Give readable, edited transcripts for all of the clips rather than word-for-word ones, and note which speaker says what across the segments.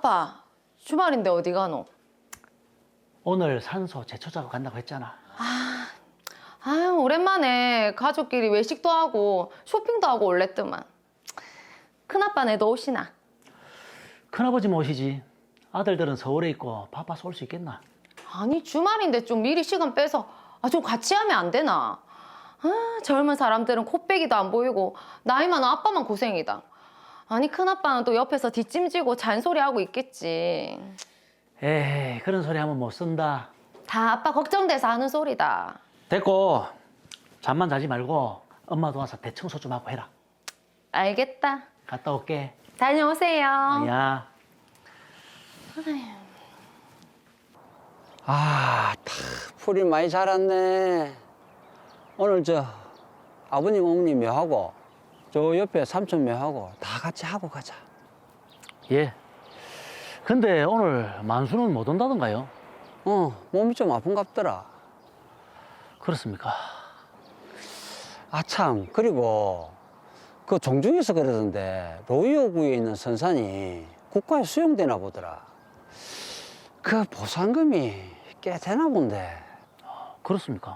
Speaker 1: 아빠, 주말인데 어디 가노?
Speaker 2: 오늘 산소 제초 작업 간다고 했잖아.
Speaker 1: 아유, 오랜만에 가족끼리 외식도 하고 쇼핑도 하고 올랬더만. 큰아빠네 도 오시나?
Speaker 2: 큰아버지 모시지. 아들들은 서울에 있고 바빠서 올 수 있겠나?
Speaker 1: 아니, 주말인데 좀 미리 시간 빼서 좀 같이 하면 안 되나? 젊은 사람들은 코빼기도 안 보이고 나이 많은 아빠만 고생이다. 아니, 큰아빠는 또 옆에서 뒷짐지고 잔소리하고 있겠지.
Speaker 2: 에이, 그런 소리 하면 못 쓴다.
Speaker 1: 다 아빠 걱정돼서 하는 소리다.
Speaker 2: 됐고, 잠만 자지 말고 엄마 도와서 대청소 좀 하고 해라.
Speaker 1: 알겠다.
Speaker 2: 갔다 올게.
Speaker 1: 다녀오세요.
Speaker 2: 야.
Speaker 3: 아, 풀이 많이 자랐네. 오늘 아버님, 어머님 묘하고 저 옆에 삼촌 묘하고 다 같이 하고 가자.
Speaker 2: 예. 근데 오늘 만수는 못 온다던가요?
Speaker 3: 몸이 좀 아픈갑더라.
Speaker 2: 그렇습니까?
Speaker 3: 아, 참, 그리고 그 종중에서 그러던데 로이오구에 있는 선산이 국가에 수용되나 보더라. 그 보상금이 꽤 되나 본데.
Speaker 2: 그렇습니까?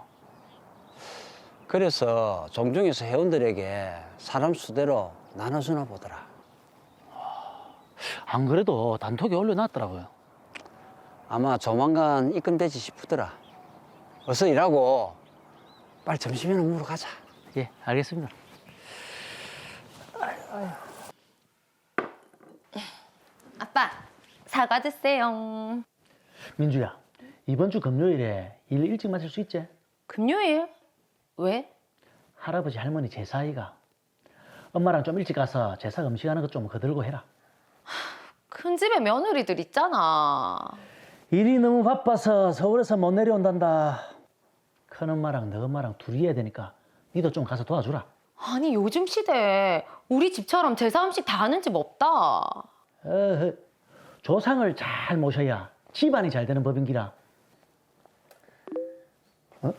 Speaker 3: 그래서 종중에서 회원들에게 사람 수대로 나눠주나 보더라.
Speaker 2: 안 그래도 단톡에 올려놨더라고요.
Speaker 3: 아마 조만간 입금되지 싶더라. 어서 일하고 빨리 점심이나 먹으러 가자.
Speaker 2: 예, 알겠습니다.
Speaker 1: 아빠, 사과 드세요.
Speaker 2: 민주야, 이번 주 금요일에 일 일찍 마칠 수 있지?
Speaker 1: 금요일? 왜?
Speaker 2: 할아버지 할머니 제사이가. 엄마랑 좀 일찍 가서 제사 음식하는 거 좀 거들고 해라.
Speaker 1: 큰 집에 며느리들 있잖아.
Speaker 2: 일이 너무 바빠서 서울에서 못 내려온단다. 큰엄마랑 너엄마랑 둘이 해야 되니까 니도 좀 가서 도와주라.
Speaker 1: 아니, 요즘 시대에 우리 집처럼 제사 음식 다 하는 집 없다.
Speaker 2: 조상을 잘 모셔야 집안이 잘 되는 법인기라. 어?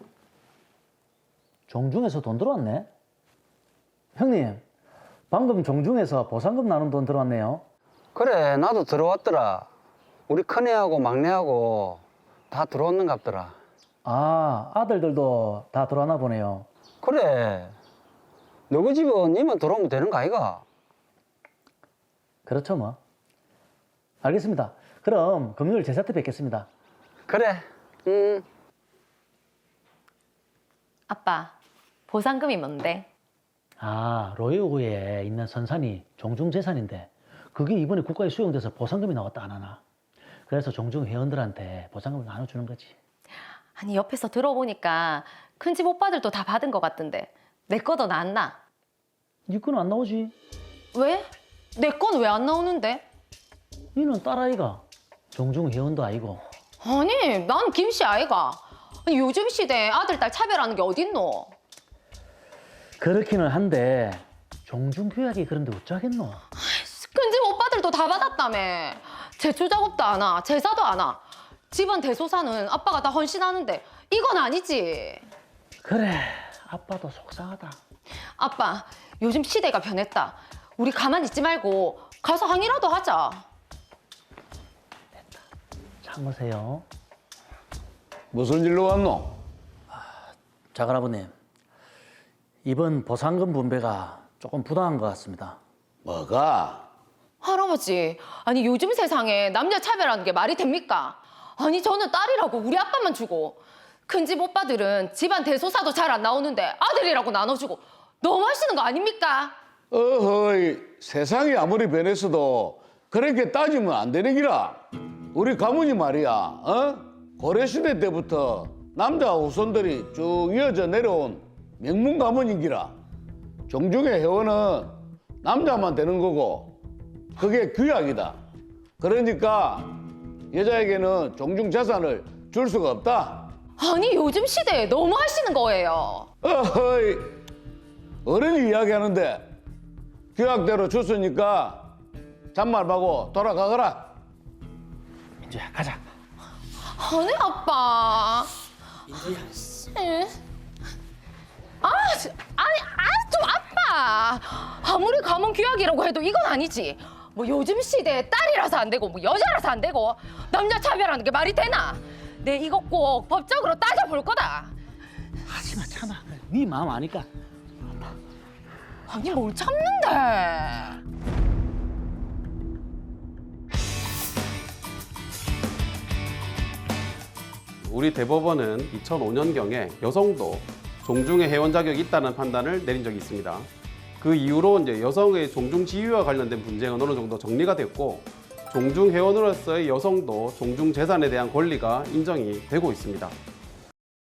Speaker 2: 종중에서 돈 들어왔네? 형님, 방금 종중에서 보상금 나눈 돈 들어왔네요.
Speaker 3: 그래, 나도 들어왔더라. 우리 큰애하고 막내하고 다 들어왔는갑더라.
Speaker 2: 아, 아들들도 다 들어왔나 보네요.
Speaker 3: 그래, 너희 집은 니만 들어오면 되는 거 아이가?
Speaker 2: 그렇죠 뭐. 알겠습니다. 그럼 금요일 제사 때 뵙겠습니다.
Speaker 3: 그래,
Speaker 1: 아빠, 보상금이 뭔데?
Speaker 2: 아, 로이오구에 있는 선산이 종중재산인데 그게 이번에 국가에 수용돼서 보상금이 나왔다 안 하나. 그래서 종중 회원들한테 보상금을 나눠주는 거지.
Speaker 1: 아니, 옆에서 들어보니까 큰 집 오빠들도 다 받은 것 같던데 내 거도 나왔나?
Speaker 2: 니 거는 안 나오지?
Speaker 1: 왜? 내 건 왜 안 나오는데?
Speaker 2: 니는 딸아이가 종중 회원도 아니고.
Speaker 1: 아니, 난 김씨 아이가. 아니, 요즘 시대에 아들, 딸 차별하는 게 어딨노?
Speaker 2: 그렇기는 한데 종중 교약이 그런데 어쩌겠노?
Speaker 1: 큰 집 오빠들도 다 받았다며. 제초 작업도 안 와, 제사도 안 와. 집안 대소사는 아빠가 다 헌신하는데 이건 아니지.
Speaker 2: 그래, 아빠도 속상하다.
Speaker 1: 아빠, 요즘 시대가 변했다. 우리 가만히 있지 말고 가서 항의라도 하자.
Speaker 2: 참으세요.
Speaker 4: 무슨 일로 왔노?
Speaker 2: 작은아버님, 이번 보상금 분배가 조금 부당한 것 같습니다.
Speaker 4: 뭐가?
Speaker 1: 할아버지, 아니 요즘 세상에 남녀 차별하는 게 말이 됩니까? 아니 저는 딸이라고 우리 아빠만 주고 큰 집 오빠들은 집안 대소사도 잘 안 나오는데 아들이라고 나눠주고 너무 하시는 거 아닙니까?
Speaker 4: 어허이, 세상이 아무리 변했어도 그렇게 따지면 안 되는 기라. 우리 가문이 말이야, 고려시대 때부터 남자 후손들이 쭉 이어져 내려온 명문 가문인 기라. 종중의 회원은 남자만 되는 거고 그게 규약이다. 그러니까 여자에게는 종중 재산을 줄 수가 없다.
Speaker 1: 아니 요즘 시대에 너무 하시는 거예요.
Speaker 4: 어허이, 어른이 이야기하는데 규약대로 줬으니까 잔말 말고 돌아가거라.
Speaker 2: 민주야, 가자.
Speaker 1: 아니 아빠.
Speaker 2: 민주야.
Speaker 1: 아니 좀 아빠. 아무리 가문 규약이라고 해도 이건 아니지. 뭐 요즘 시대에 딸이라서 안 되고 뭐 여자라서 안 되고 남녀 차별하는 게 말이 되나? 내 이거 꼭 법적으로 따져볼 거다.
Speaker 2: 하지마 참아. 네 마음 아니까.
Speaker 1: 아니 뭘 참는데?
Speaker 5: 우리 대법원은 2005년경에 여성도 종중의 회원 자격이 있다는 판단을 내린 적이 있습니다. 그 이후로 이제 여성의 종중 지위와 관련된 분쟁은 어느 정도 정리가 됐고 종중 회원으로서의 여성도 종중 재산에 대한 권리가 인정이 되고 있습니다.